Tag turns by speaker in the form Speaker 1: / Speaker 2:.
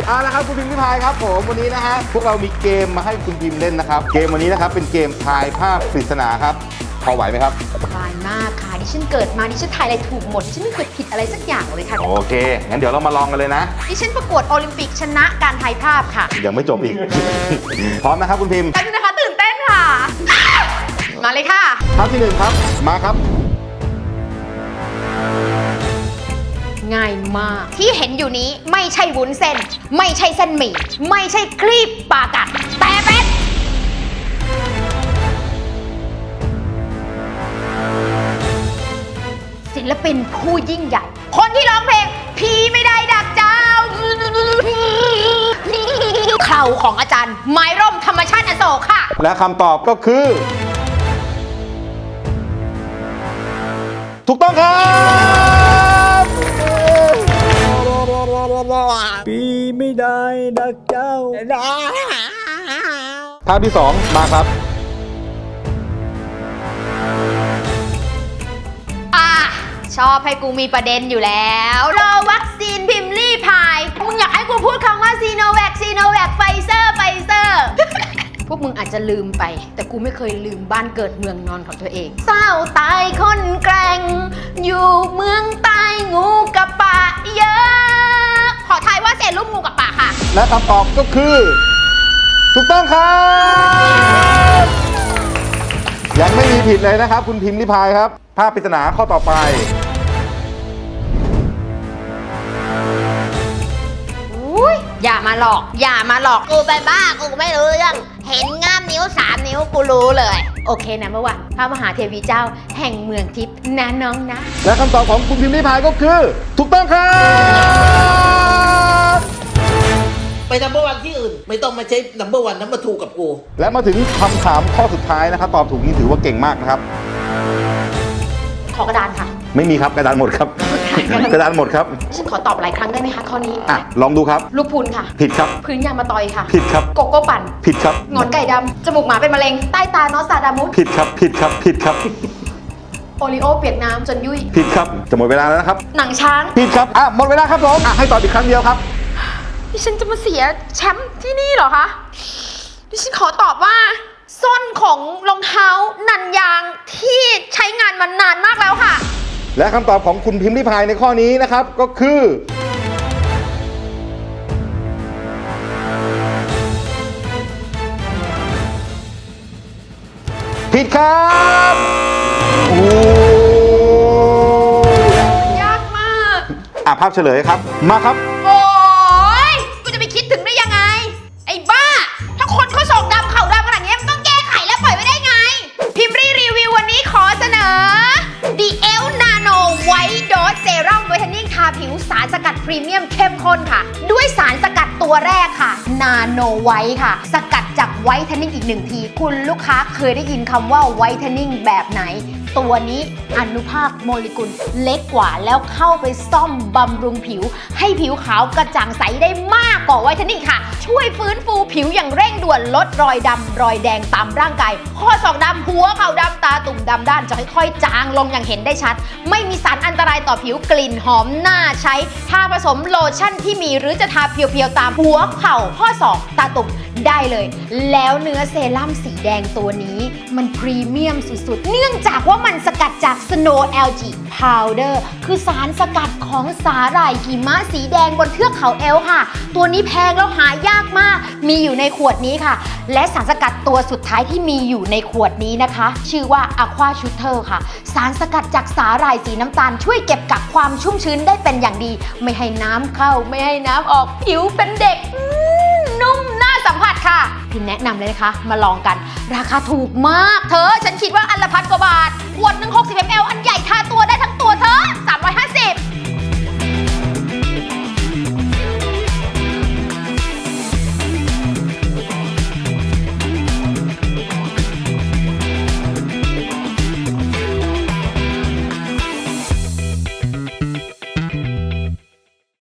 Speaker 1: เอาละครับคุณพิมพ์ริพายครับผมวันนี้นะฮะพวกเรามีเกมมาให้คุณพิมพ์เล่นนะครับเกมวันนี้นะครับเป็นเกมทายภาพปริศนาครับพอไหวไหมครับ
Speaker 2: สบายมากค่ะดิฉันเกิดมาดิฉันทายอะไรถูกหมดดิฉันไม่เคยผิดอะไรสักอย่างเลยค่ะ
Speaker 1: โอเคงั้นเดี๋ยวเรามาลองกันเลยนะ
Speaker 2: ดิฉันประกวดโอลิมปิกชนะการทายภาพค่ะ
Speaker 1: ยังไม่จบอีก พร้อมนะครับคุณพิมพ์
Speaker 2: แป๊บนึงนะคะตื่นเต้นค่ะมาเลยค่ะ
Speaker 1: ภาพที่1ครับมาครับ
Speaker 2: ง่ายมากที่เห็นอยู่นี้ไม่ใช่วุ้นเส้นไม่ใช่เส้นหมี่ไม่ใช่คลีบปลากัดแต่เป็นศิลปินผู้ยิ่งใหญ่คนที่ร้องเพลงผีไม่ได้ดักเจ้าเข่าของอาจารย์ไม้ร่มธรรมชาติอโศกค่ะ
Speaker 1: และคำตอบก็คือถูกต้องครับ
Speaker 3: ปีไม่ได้ดักเจ้า
Speaker 1: ภาพที่2มาครับ
Speaker 2: ชอบให้กูมีประเด็นอยู่แล้วรอวัคซีนพิมพ์ลี่พายมึงอยากให้กูพูดคำว่าซีโนแวคไฟเซอร์พวกมึงอาจจะลืมไปแต่กูไม่เคยลืมบ้านเกิดเมืองนอนของตัวเองเศร้าตายคนแกร่งอยู่เมืองใต้งูกับปะเยอะขอทายว่าเศษรูปงูกับปะค่ะ
Speaker 1: และคำตอบก็คือถูกต้องครับยังไม่มีผิดเลยนะครับคุณพิมพ์ริพายครับภาพปริศนาข้อต่อไป
Speaker 2: อย่ามาหลอกกูไปบ้ากูไม่รู้เรื่องเห็นง่ามนิ้ว3 นิ้วกูรู้เลยโอเคนะเมื่อวานพระมหาเทวีเจ้าแห่งเมืองทิพย์นะน้องนะ
Speaker 1: และคำตอบของคุณพิมพ์ริพายก็คือถูกต้องครับ
Speaker 4: ไปnumber 1ที่อื่นไม่ต้องมาใช้number 1 number 2กับกู
Speaker 1: และมาถึงคำถามข้อสุดท้ายนะครับตอบถูกนี่ถือว่าเก่งมากนะครับ
Speaker 2: ขอกระดานค่ะ
Speaker 1: ไม่มีครับกระดานหมดครับกระดานหมดครับ
Speaker 2: ฉันขอตอบหลายครั้งได้ไหมคะข้อนี้
Speaker 1: ลองดูครับ
Speaker 2: ลูกพูนค่ะ
Speaker 1: ผิดครับ
Speaker 2: พื้นยางมะตอยค่ะ
Speaker 1: ผิดครับ
Speaker 2: โกโก้ปั่น
Speaker 1: ผิดครับ
Speaker 2: งอนไก่ดำจมูกหมาเป็นมะเร็งใต้ตานอสซาดามุส
Speaker 1: ผิดครับ
Speaker 2: โอริโอเปียกน้ำจนยุ่ย
Speaker 1: ผิดครับจะหมดเวลาแล้วนะครับ
Speaker 2: หนังช้าง
Speaker 1: ผิดครับหมดเวลาครับผมให้ตอบอีกครั้งเดียวครับ
Speaker 2: ดิฉันจะมาเสียแชมป์ที่นี่เหรอคะดิฉันขอตอบว่าส้นของรองเท้านันยางที่ใช้งานมานานมากแล้วค่ะ
Speaker 1: และคำตอบของคุณพิมพ์ริพายในข้อนี้นะครับก็คือผิดครับโอ้
Speaker 2: ยากมาก
Speaker 1: ภาพเฉลยครับมาครับ
Speaker 2: โอ้ยกูจะไปคิดถึงได้ยังไงไอ้บ้าถ้าคนเขาส่งดำเข่าดำขนาดนี้มันต้องแก้ไขแล้วปล่อยไว้ได้ไงพิมพ์รีวิววันนี้ขอเสนอ The Elf Nano White Dose Serum Whitening ทาผิวสารสกัดพรีเมียมเข้มข้นค่ะด้วยสารสกัดตัวแรกค่ะ Nano White ค่ะสกัดจากไวท์เทนนิ่งอีก1 ทีคุณลูกค้าเคยได้ยินคำว่าไวท์เทนนิ่งแบบไหนตัวนี้อนุภาคโมเลกุลเล็กกว่าแล้วเข้าไปซ่อมบำรุงผิวให้ผิวขาวกระจ่างใสได้มากกว่าไวท์เทนนิ่งค่ะช่วยฟื้นฟูผิวอย่างเร่งด่วนลดรอยดำรอยแดงตามร่างกายข้อศอกดำหัวเข่าดำตาตุ่มดำด้านจะค่อยๆจางลงอย่างเห็นได้ชัดไม่มีสารอันตรายต่อผิวกลิ่นหอมน่าใช้ทาผสมโลชั่นที่มีหรือจะทาเพียวๆตามหัวเข่าข้อศอกตาตุ่มได้เลยแล้วเนื้อเซรั่มสีแดงตัวนี้มันพรีเมียมสุดๆเนื่องจากว่ามันสกัดจาก Snow Algae Powder คือสารสกัดของสาหร่ายหิมะสีแดงบนเทือกเขาเอลค่ะตัวนี้แพงแล้วหายากมากมีอยู่ในขวดนี้ค่ะและสารสกัดตัวสุดท้ายที่มีอยู่ในขวดนี้นะคะชื่อว่า Aqua Shooter ค่ะสารสกัดจากสาหร่ายสีน้ำตาลช่วยเก็บกักความชุ่มชื้นได้เป็นอย่างดีไม่ให้น้ำเข้าไม่ให้น้ำออกผิวเป็นเด็กนุ่มน่าสัมผัสค่ะพิมแนะนำเลยนะคะมาลองกันราคาถูกมากเธอฉันคิดว่าอันละ1,000 กว่าบาทขวดหนึ่ง60 ml อัน